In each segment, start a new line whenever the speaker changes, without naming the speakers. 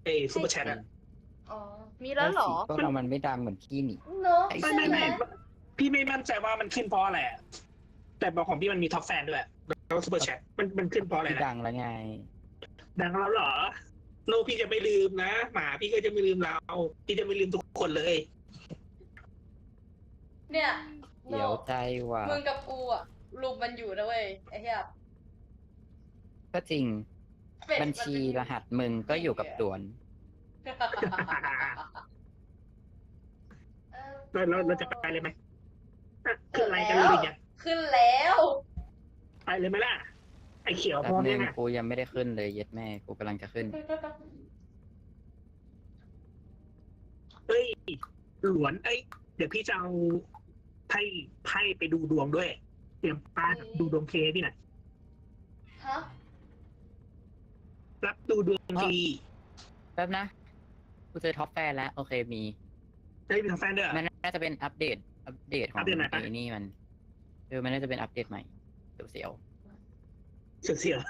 เอ้ซู
ให้
เปอร์แชทอะ
อ๋อ มีแล้วเหรอ
ก็เรามันไม่ดังเหมือนพี่นี่
เนอะ
ไม่
ใช่
ไม่
ไหม
ไม่พี่ไม่มั่นใจว่ามันขึ้นเพราะอะไรอะแต่บอกของพี่มันมีท็อปแฟนด้วยแล้วซูเปอร์แชทมันขึ้นเพราะอะไร
พี่
นะ
ดังแล้วไง
ดังแล้วเหรอโลกพี่จะไม่ลืมนะหมาพี่ก็จะไม่ลืมเราพี่จะไม่ลืมทุกคนเลย
เนี่ยโน
เดี๋ยวใจว่ะ
มึงกับกูอะรุมมันอยู่นะเว้ยไอ้เหี้ย
ก็จริง
เป็ด
บัญ
มัน
ชี
เป็น
รหัสมึงก็อยู่กับตวน
เราจะไปเลยไหมอ่ะ
เกิ
ขึ้น
ด
ไลน์
แล้
กันเลยว หรือยัง
ขึ้นแล้ว
ไปเลยไหมล่ะไอเขียว
แป๊
พ
บ
ร้อม
นึ
ยัง
ง
อ่ะ
กูยังไม่ได้ขึ้นเลยเย็ดแม่ กูกำลังจะขึ้น
เอ้ยหลวนเอ้ยเดี๋ยวพี่จะเอาไพ่ไปดูดวงด้วย เตรียมป้าดูดวงเคพี่หน่อย
ฮะ
รับดูดวงฟรี
แป๊บนะ กูเจอท็อปแฟนแล้ว โอเคมี
ได้มีทางแฟนด้วยเหรอ
มันน่าจะเป็นอัปเดตของ
อัปเดตไหนปะ
ไอ้นี่มันมันน่าจะเป็นอัปเดตใหม่เสียว
เสียว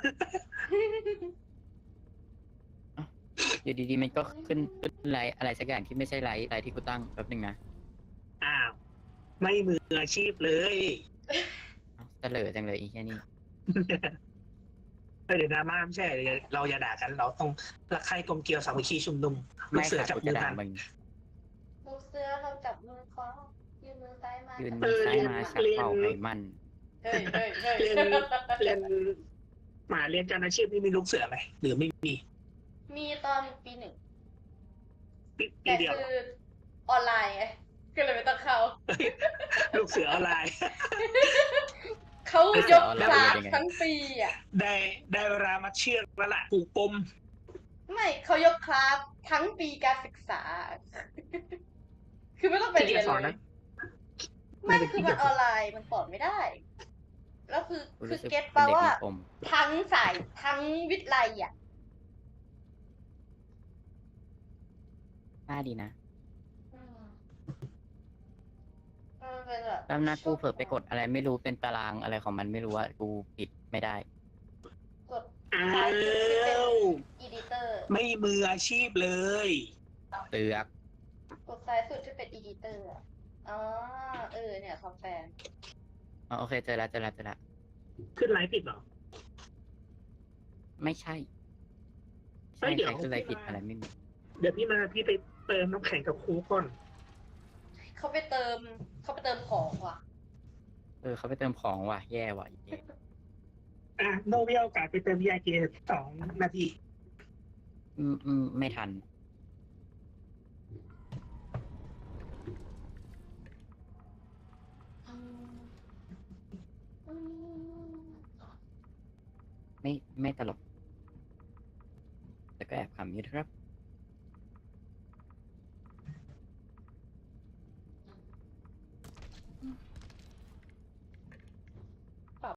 ๆอยู่ดีๆมันก็ขึ้นไลท์อะไรสักอย่างที่ไม่ใช่ไลท์ที่กูตั้งแป๊บนึงนะ
ๆอ้าวไม่มืออาชีพเลย
เอ้าเสลอจังเลยอีแค่นี้
เดี๋ยวดราม่าไม่ใช่เราอย่าด่ากัน เราต้องรักใคร่กลมเกลียวสามัคคีชุมนุมลู
ไม่
กเสือ
ค่ะ
จับ
กู
มื
จะ
อ
ด่า
กัน
มึง
ลูกเสือเราจับมือคล้องยืนมือซ้ายมา
ยืน
จับ
มือซ้ายมา
เ
ชักเป่าไขมัน
เฮ้ยเฮ้ยเฮ้ย
เรียนเรียนหมาเรียนการอาชีพนี่มีลูกเสือไหมหรือไม่มี
มีตอนปีหนึ่ง
ปี
แต่
เดียว
คือออนไลน์ไงก็เลยไม่ต้องเข้า
ลูกเสือออนไลน์
เขา
ลูกเสื
ย
อก ออนไลน์
คลาส
ยังไง
ทั้งปีอ่ะ
ได้เวลามาเชือกแล้วล่ะผูกปม
ไม่เขายกคลาสทั้งปีการศึกษา คือไม่ต้องไป
ที่
เรียน
จะสอน
เล
นะ
ยไม่คือมันออนไลน์มันสอนไม่ได้ แล้วคือ
กู
คือ
รู้สึก
เก็ต
เป็น
ปะ
เด็ก
ว่า
มีปม
ทั้งสายทั้งวิทย์ไลอ่ะ
น่าดีนะ
อืมมันเป็นแบบ
แป๊บนะกูเผลอไปกดอะไรไม่รู้เป็นตารางอะไรของมันไม่รู้ว่ากูปิดไม่ได้
กด
อ้า
ซ้ายสุดที่เป็น
ว
อีดิเตอร์
ไม่มืออาชีพเลย
เตือก
กดซ้ายสุดที่เป็นอีดิเตอร์อ่ะอ๋อเนี่ยคอมแฟน
อ๋อโอเคเจอแล้ว
ขึ้นไลฟ์ผิดเหรอ
ไม่ใช่
เฮ้
ใช่
ยเดี๋ยว
ใครคืออะไรผิดอะไรไม่มี
เดี๋ยวพี่ไปเติมน้ำแข็งกับครูก่อน
เขาไปเติมของว่ะ
เขาไปเติมของว่ะแย่ว่ะแย่
โนเวียโอกาสไปเติม VIK 2 นาที
ไม่ทัน ไม่ตลก แต่ก็แอบขำอยู่นะครับ